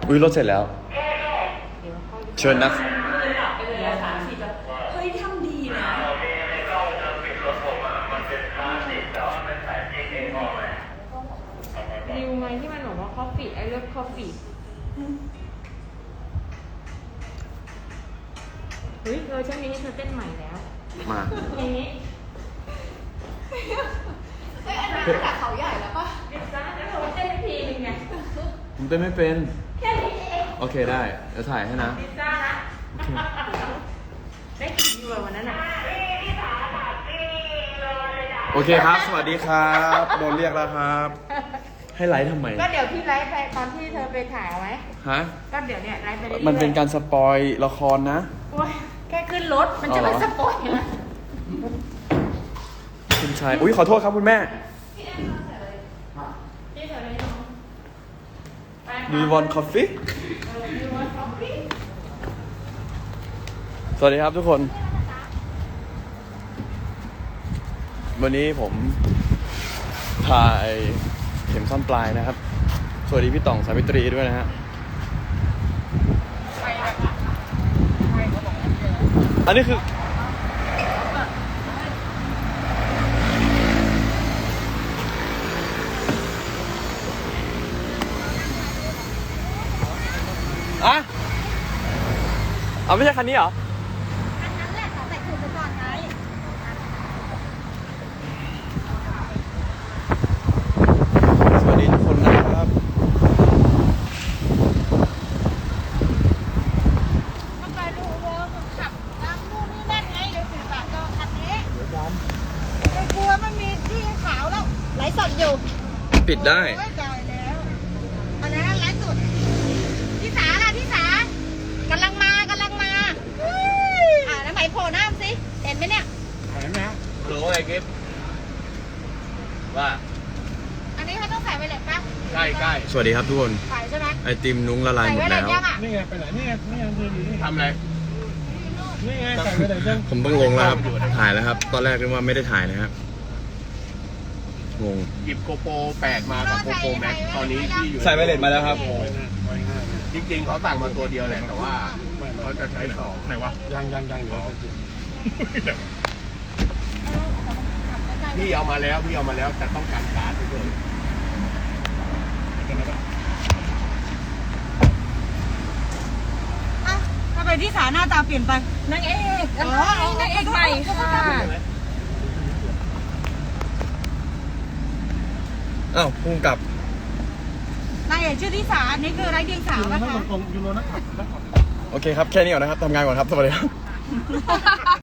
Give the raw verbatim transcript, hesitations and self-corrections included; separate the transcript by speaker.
Speaker 1: อุ้ยรถเสร็จแล้วเชิญนะ
Speaker 2: เฮ้ยทำดีนะ
Speaker 3: ริวไงที่มันบอกว่าคอฟฟี่ไอเลิฟคอฟฟี่เฮ้ยเออฉันมีให้เธอเต้นใหม่แล้ว
Speaker 1: มา
Speaker 3: เพลงนี้
Speaker 2: เฮ้ยอันนี้มาจากเขาใหญ่แล้วป่ะ
Speaker 3: ดิซ่าแล้วเธอเต้นอีกทีนึงไง
Speaker 1: ผมเต้นไม่เป็น
Speaker 3: แค่นี้เอง
Speaker 1: โอเคได้เดี๋ยวถ่ายให้นะ
Speaker 3: ดิซ่านะได้กี่วิววันนั้นอ่ะ
Speaker 1: โอเคครับ สวัสดีครับโดนเรียกแล้วครับ ให้ไลฟ์ทำไม
Speaker 3: ก็เดี๋ยวพี่ไลฟ์ไปตอนที่เธอไปถ่ายเอาไว้
Speaker 1: ฮะ
Speaker 3: ก็เดี๋ยวเนี่ยไลฟ์ไปเรื่อยๆ
Speaker 1: มันเป็นการสปอยละครนะ
Speaker 3: โอ้ยแค่ขึ้นรถมันจะ
Speaker 1: อ๋อเหร
Speaker 3: มา
Speaker 1: อ
Speaker 3: สปอยนะ
Speaker 1: คุณชาย อุ้ยขอโทษครับคุณแม่
Speaker 3: พี่เธอเลยน้องไป
Speaker 1: Do you want coffee
Speaker 3: เออดูว่าคอฟฟี่
Speaker 1: สวัสดีครับทุกคน วันนี้ผมถ่ายเข็มซ่อนปลายนะครับ สวัสดีพี่ต่องสาวิตรีด้วยนะฮะ อันนี้คือ อะเอาไม่ใช่คันนี้เหรอ
Speaker 2: อันนั้นแหละเขาใส่ถุงไปก่อนไง
Speaker 1: สวัสดีทุกคนนะครับ
Speaker 2: มันไปดูเวิร์กขับตามนู่นนี่นั่นไงเดี๋ยวสื่อสารก็คันนี้ไอ้กลัวมันมีที่ขาวแล้วไหลสดอยู่
Speaker 1: ปิดได้
Speaker 2: ไม่จ่ายแล้วอันนั้นไหลสดพี่สาล่ะพี่สากำลังมากำลังมาอ่าแล้วไหมโผล่หน้าสิเห็นไหมเนี่ย
Speaker 1: เห็นไหมหรืออะไรกิฟว่า
Speaker 2: อันนี้เขาต้องใส่ไวเลสป่ะ
Speaker 1: ใกล้ใกล้สวัสดีครับทุกคน
Speaker 2: ใส่ใช่ไหม
Speaker 1: ไอติมนุ้งละลาย
Speaker 2: ใส่
Speaker 1: หม
Speaker 2: ไว
Speaker 1: ด
Speaker 2: เล
Speaker 1: แล้
Speaker 2: ส
Speaker 1: ว
Speaker 2: ยังอ่ะ
Speaker 4: นี่ไงไปไหนนี่ไงนี่ไงคืออยู่นี่
Speaker 1: ทำอะไร
Speaker 4: นี่ไงใส่ไปไหนยัง
Speaker 1: ผมต้องลงแล้วครับ ถ่ายแล้วครับ ตอนแรกนึกว่าไม่ได้ถ่ายนะครับ งง
Speaker 4: หยิบโกโปรแปดมากับโกโปรแม็กตอนนี้ที่อยู่
Speaker 1: ใส่ไวเลสมาแล้วครับ
Speaker 4: จริงๆเขาสั่งมาตัวเดียวแหละแต่ว่าเขาจะใช้สองไหนวะยังยังยังอยู่พี่เอามาแล้วพี่เอามาแล้วแต่ต้องการการ์ดด้วย
Speaker 2: อ่ะทำไมที่สาหน้าตาเปลี่ยนไป
Speaker 3: นางเอก
Speaker 2: อ๋อ
Speaker 3: นางเอกใหม่ค่ะ
Speaker 1: อ้าวพุ่งกลับ
Speaker 2: นายเอกชื่อที่สาอันนี้คือไรเดียงสาว
Speaker 4: ยูโร
Speaker 2: ป่ะ
Speaker 4: นัก
Speaker 2: คะ
Speaker 4: ตรงยูโรนักขับ
Speaker 1: โอเคครับ แค่นี้ก่อนนะครับ ทำงานก่อนครับ สวัสดีครับ